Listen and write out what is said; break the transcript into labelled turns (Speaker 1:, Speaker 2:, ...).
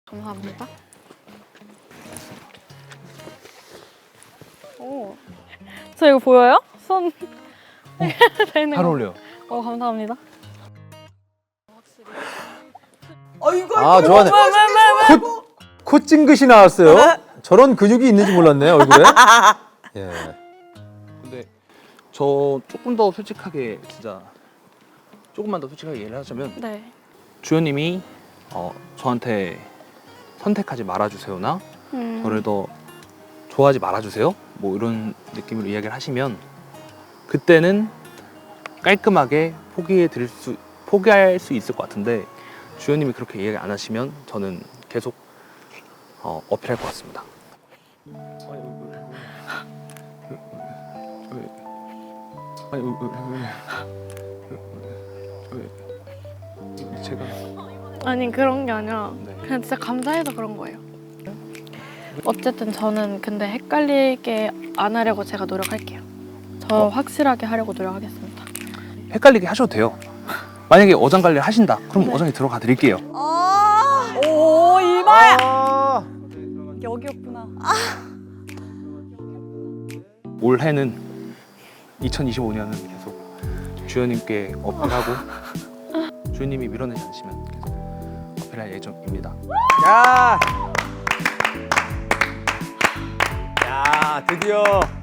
Speaker 1: 감사합니다. 오, 저 이거 보여요? 손 되는
Speaker 2: 잘
Speaker 1: 거.
Speaker 2: 어울려요.
Speaker 1: 감사합니다.
Speaker 3: 아, 좋아하네. 콧 찡긋이 나왔어요. 저런 근육이 있는지 몰랐네요, 얼굴에. 예.
Speaker 2: 근데 저 조금 더 솔직하게 진짜 조금만 더 솔직하게 얘기를 하자면
Speaker 1: 네.
Speaker 2: 주연님이 저한테 선택하지 말아주세요나 저를 더 좋아하지 말아주세요 뭐 이런 느낌으로 이야기를 하시면 그때는 깔끔하게 포기할 수 있을 것 같은데 주연님이 그렇게 이야기 안 하시면 저는 계속 어필할 것 같습니다. 제가
Speaker 1: 아니 그런 게 아니라
Speaker 2: 네.
Speaker 1: 그냥 진짜 감사해서 그런 거예요. 어쨌든 저는 근데 헷갈리게 안 하려고 제가 노력할게요. 저 확실하게 하려고 노력하겠습니다.
Speaker 2: 헷갈리게 하셔도 돼요. 만약에 어장 관리를 하신다 그럼
Speaker 1: 네.
Speaker 2: 어장에 들어가 드릴게요.
Speaker 4: 오, 이마야.
Speaker 3: 아,
Speaker 4: 여기였구나.
Speaker 2: 올해는 2025년은 계속 주연님께 어필하고 주연님이 밀어내지 않으시면 계속 어필할 예정입니다.
Speaker 3: 야! 야, 드디어